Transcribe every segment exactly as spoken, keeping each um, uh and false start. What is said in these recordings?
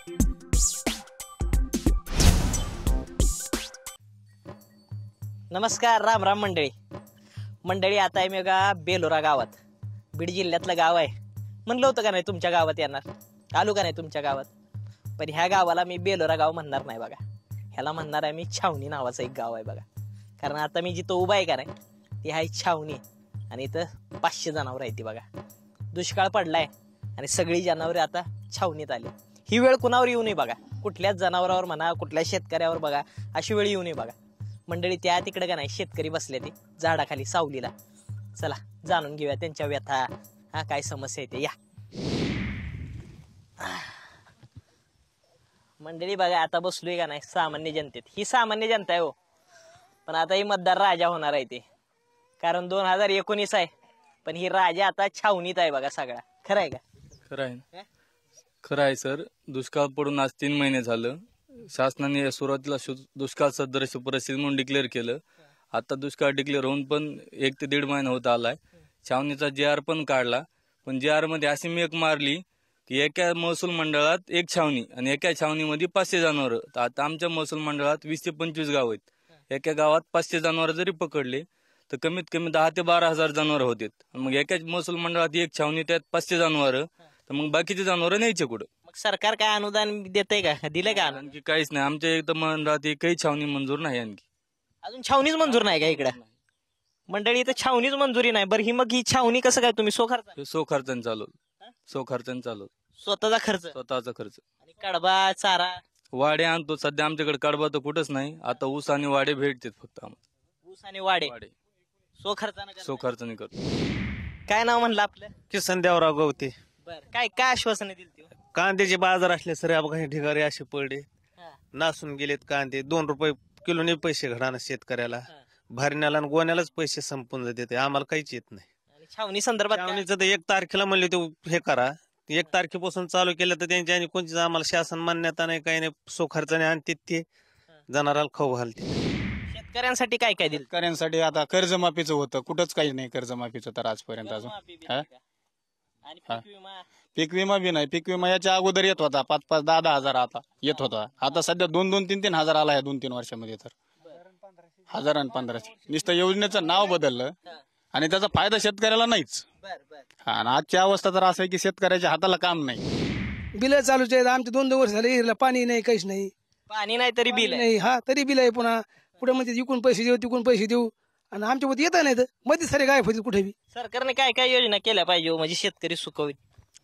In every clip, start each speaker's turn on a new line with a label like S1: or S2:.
S1: नमस्कार, राम राम मंडळी मंडळी आता आहे मी बघा बेलोरा गावात, बीड जिल्ह्यातलं गाव आहे. म्हणलं होतं का नाही तुमच्या गावात येणार, आलो का नाही तुमच्या गावात. पण ह्या गावाला मी बेलोरा गाव म्हणणार नाही बघा, ह्याला म्हणणार आहे मी छावणी नावाचं एक गाव आहे बघा. कारण आता मी जिथं उभा आहे का नाही ती आहे छावणी, आणि इथं पाचशे जनावर आहे ती बघा. दुष्काळ पडलाय आणि सगळी जनावरे आता छावणीत आली. ही वेळ कुणावर येऊ नये बघा, कुठल्याच जनावरावर म्हणा, कुठल्या शेतकऱ्यावर बघा, अशी वेळ येऊ नये बघा. मंडळी त्या तिकडे का नाही शेतकरी बसले ते झाडाखाली सावलीला. चला जाणून घेऊया त्यांच्या व्यथा, हा काय समस्या येते. या मंडळी बघा, आता बसलोय का नाही सामान्य जनतेत. ही सामान्य जनता आहे हो, पण आता ही मतदार राजा होणार आहे ते. कारण दोन हजार एकोणीस आहे, पण ही राजा आता छावणीत आहे बघा सगळा. खरं आहे का?
S2: खरं आहे, खरं आहे सर. दुष्काळ पडून आज तीन महिने झालं. शासनाने सुरुवातीला दुष्काळ सदृश परिस्थिती म्हणून डिक्लेअर केलं. आता दुष्काळ डिक्लेअर होऊन पण एक ते दीड महिना होत आलाय. छावणीचा जे आर पण काढला, पण जे आर मध्ये अशी मेक मारली की एका महसूल मंडळात एक छावणी आणि एका छावणीमध्ये पाचशे जनावर. आता आमच्या महसूल मंडळात वीस ते पंचवीस गाव आहेत. एका गावात पाचशे जनावर जरी पकडले तर कमीत कमी दहा ते बारा हजार जनावर होते. मग एका महसूल मंडळात एक छावणी, त्यात पाचशे जनावर, तर मग बाकीचे जनावर न्यायचे कुठं?
S1: मग सरकार काय अनुदान देतंय का, दिलंय का?
S2: आणखी काहीच नाही. आमच्या इथं मंडळात एकही छावणी मंजूर नाही. आणखी
S1: अजून छावणीच मंजूर नाही का इकडं? मंडळी इथं छावणीच मंजुरी नाही. बरं ही मग ही छावणी कसं काय तुम्ही सो खर्च
S2: सो खर्चाने चालवत सो खर्चाने चालवत
S1: स्वतःचा खर्च
S2: स्वतःचा खर्च.
S1: आणि कडबा चारा
S2: वाडे आणतो. सध्या आमच्याकडे कडबा तर कुठंच नाही. आता ऊस आणि वाडे भेटतात फक्त आम्हाला.
S1: ऊस आणि वाडे सो खर्चाने
S2: सो खर्चाने करतो.
S1: काय नाव म्हणलं आपलं?
S3: किसन देवराव गवते.
S1: बर काय काय आश्वासने दिली ती?
S3: कांद्याचे बाजार असले सर काही ढिगारे असे पडले, नासून गेलेत कांदे. दोन रुपये किलोने पैसे घडाना शेतकऱ्याला. भरण्याला आणि गोण्यालाच पैसे संपून जाते, आम्हाला काहीच येत नाही.
S1: आणि छावणी संदर्भात
S3: छावणीचं तर एक तारखेला म्हणले ते हे करा, एक तारखेपासून चालू केलं तर त्यांच्या आणि कोणतीच आम्हाला शासन मान्यता नाही, काही नाही. सो खर्चाने आणते ते जनावराला खाऊ घालते.
S1: शेतकऱ्यांसाठी काय काय दिलं?
S4: शेतकऱ्यांसाठी आता कर्जमाफीचं होतं, कुठंच काही नाही कर्जमाफीचं तर आजपर्यंत अजून.
S1: आणि पीक विमा?
S4: पीक विमा बी नाही. पीक विमा याच्या अगोदर येत होता पाच पाच दहा दहा हजार आता येत होता. आता सध्या दोन दोन तीन तीन हजार आला या दोन तीन वर्षामध्ये. तर हजार आणि पंधराशे नुसतं योजनेचं नाव बदललं आणि त्याचा फायदा शेतकऱ्याला नाहीच. हा, आणि आजची अवस्था तर असं आहे की शेतकऱ्याच्या हाताला काम नाही.
S5: बिल चालूच आहेत आमचे. दोन दोन वर्ष झाले पाणी नाही, काहीच नाही.
S1: पाणी नाही तरी बिल
S5: नाही. हा तरी बिल आहे. पुन्हा पुढे म्हणते इकून पैसे देऊ तिकून पैसे देऊ, आणि आमच्या मध्ये येत नाही तर मध्ये सारे गायब होतील कुठे बी.
S1: सरकारने काय काय योजना केल्या पाहिजे म्हणजे शेतकरी सुख होईल?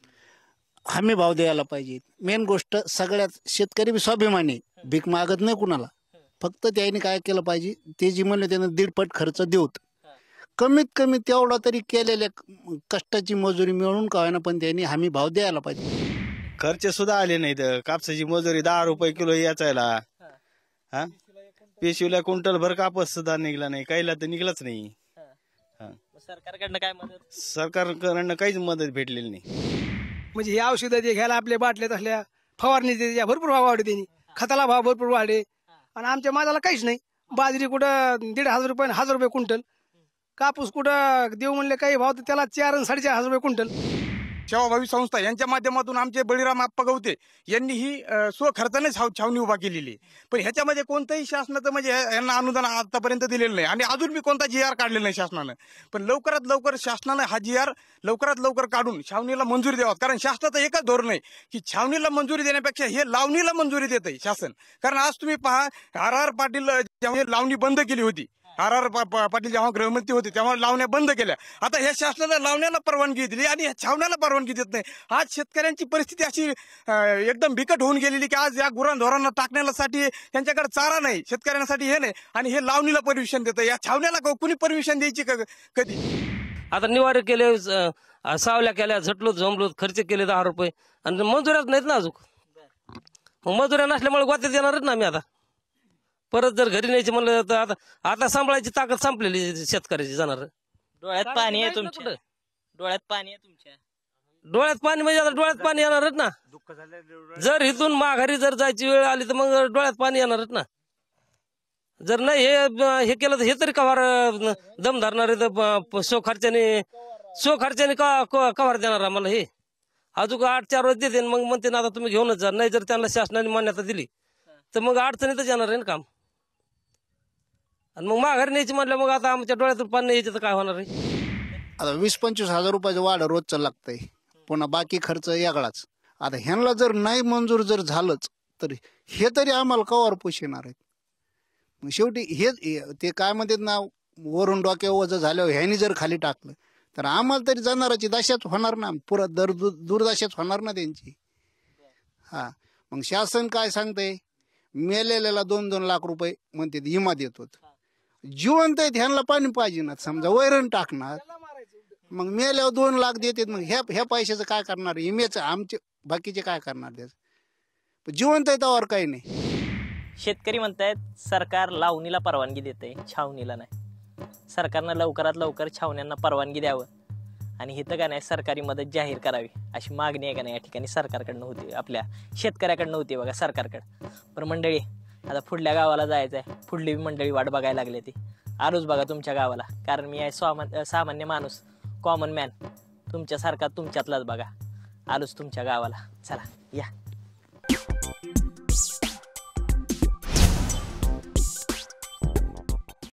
S6: हमी भाव द्यायला पाहिजे. मेन गोष्ट सगळ्यात शेतकरी बी स्वाभिमानी, भीक मागत नाही कुणाला. फक्त त्याने काय केलं पाहिजे, ते जी म्हणले त्यानं दीडपट खर्च देऊत. कमीत कमी तेवढा तरी केलेल्या कष्टाची मजुरी मिळून का होईना, पण त्यांनी हमी भाव द्यायला पाहिजे.
S3: खर्च सुद्धा आले नाहीत. कापसाची मजुरी दहा रुपये किलो याचायला. हा, पेशवीला क्विंटल भर कापस सुद्धा निघला नाही, काहीला तर निघलाच नाही.
S1: सरकारकडनं काय मदत?
S3: सरकारकडनं काहीच मदत भेटलेली नाही.
S5: म्हणजे हे औषधं ते घ्यायला आपल्या बाटल्यात असल्या फवारणी त्याच्या भरपूर भाव वाढले, त्यांनी खताला भाव भरपूर वाढले, आणि आमच्या मालाला काहीच नाही. बाजरी कुठं दीड हजार रुपये हजार रुपये क्विंटल, कापूस कुठं देऊ म्हणले काही भाव तर त्याला चार आणि साडेचार हजार रुपये क्विंटल.
S4: सेवाभावी संस्था यांच्या माध्यमातून आमचे बळीराम आप्पा गवते यांनी ही स्वखर्चाने छावणी उभा केलेली. पण ह्याच्यामध्ये कोणतंही शासनाचं म्हणजे यांना अनुदान आतापर्यंत दिलेलं नाही, आणि अजून मी कोणता जी आर काढलेला नाही शासनानं. पण लवकरात लवकर शासनानं हा जी आर लवकरात लवकर काढून छावणीला मंजुरी द्यावा. कारण शासनाचं एकच धोरण आहे की छावणीला मंजुरी देण्यापेक्षा हे लावणीला मंजुरी देत आहे शासन. कारण आज तुम्ही पहा, आर आर पाटील जेव्हा लावणी बंद केली होती, आर आर पाटील जेव्हा गृहमंत्री होते तेव्हा लावण्या बंद केल्या. आता ह्या शासनाला लावण्याला परवानगी दिली आणि छावण्याला परवानगी देत नाही. आज शेतकऱ्यांची परिस्थिती अशी एकदम बिकट होऊन गेलेली की आज या गुरांढोरांना टाकण्यासाठी त्यांच्याकडे चारा नाही, शेतकऱ्यांसाठी हे नाही, आणि हे लावणीला परमिशन देतं. या छावण्याला कुणी परमिशन द्यायची कधी?
S7: आता निवारे केले, सावल्या केल्या, झटलो जमलो, खर्च केले दहा रुपये, आणि मजुऱ्याच नाहीत ना अजून. मग मजुऱ्या नसल्यामुळे गोत्यात येणारच ना आम्ही. आता परत जर घरी न्यायची म्हणलं तर आता आता सांभाळायची ताकद संपलेली शेतकऱ्याची. जाणार
S1: डोळ्यात पाणी आहे तुमच्या, डोळ्यात पाणी आहे तुमच्या.
S7: डोळ्यात पाणी म्हणजे आता डोळ्यात पाणी येणारच ना. जर इथून माघारी जर जायची वेळ आली तर मग डोळ्यात पाणी येणारच ना. जर नाही हे हे केलं तर हे तरी कव्हार दम धरणार आहे. सो खर्चाने सो खर्चाने कव्हार देणार आम्हाला हे. अजून आठ चार वर्ष देते मग म्हणते ना आता तुम्ही घेऊनच जा. नाही जर त्यांना शासनाने मान्यता दिली तर मग अडचणीतच येणार आहे ना काम. आणि मग माघारी न्यायची म्हणलं मग आता आमच्या डोळ्यातून पाणी यायचं तर काय होणार आहे.
S6: आता वीस पंचवीस हजार रुपयाचं वाढ रोजचं लागतंय, पुन्हा बाकी खर्च वेगळाच. आता ह्यांना जर नाही मंजूर जर झालंच तर हे तरी आम्हाला कवर पोषणार आहेत. मग शेवटी हे ते काय म्हणतात ना, वरून डोक्यावर वजन झाल्यावर ह्यानी जर खाली टाकलं तर आम्हाला तरी जाणाराची दशाच होणार ना, पुरा दर दुर्दशाच होणार ना त्यांची. हा मग शासन काय सांगतंय, मेलेल्याला दोन दोन लाख रुपये म्हणते विमा देतो. जिवंत आहेत ह्यांना पाणी पाहिजे ना, समजा वैरण टाकणार मग मेल्यावर दोन लाख देतात. मग ह्या ह्या पैशाचं काय करणार, विम्याचं आमचे बाकीचे काय करणार त्याचं. जिवंत आहे त्यावर काही नाही.
S1: शेतकरी म्हणतायत सरकार लावणीला परवानगी देते, छावणीला नाही. सरकारनं लवकरात लवकर छावण्यांना परवानगी द्यावं आणि हिथं का नाही सरकारी मदत जाहीर करावी अशी मागणी आहे का नाही या ठिकाणी सरकारकडनं होती, आपल्या शेतकऱ्याकडनं होती बघा सरकारकडं. पण मंडळी आता पुढल्या गावाला जायचं आहे, पुढली मंडळी वाट बघायला लागली ती. आलोच बघा तुमच्या गावाला, कारण मी आहे सामान्य सामान्य माणूस, कॉमन मॅन, तुमच्यासारखा तुमच्यातलाच बघा. आलोच तुमच्या गावाला, चला या.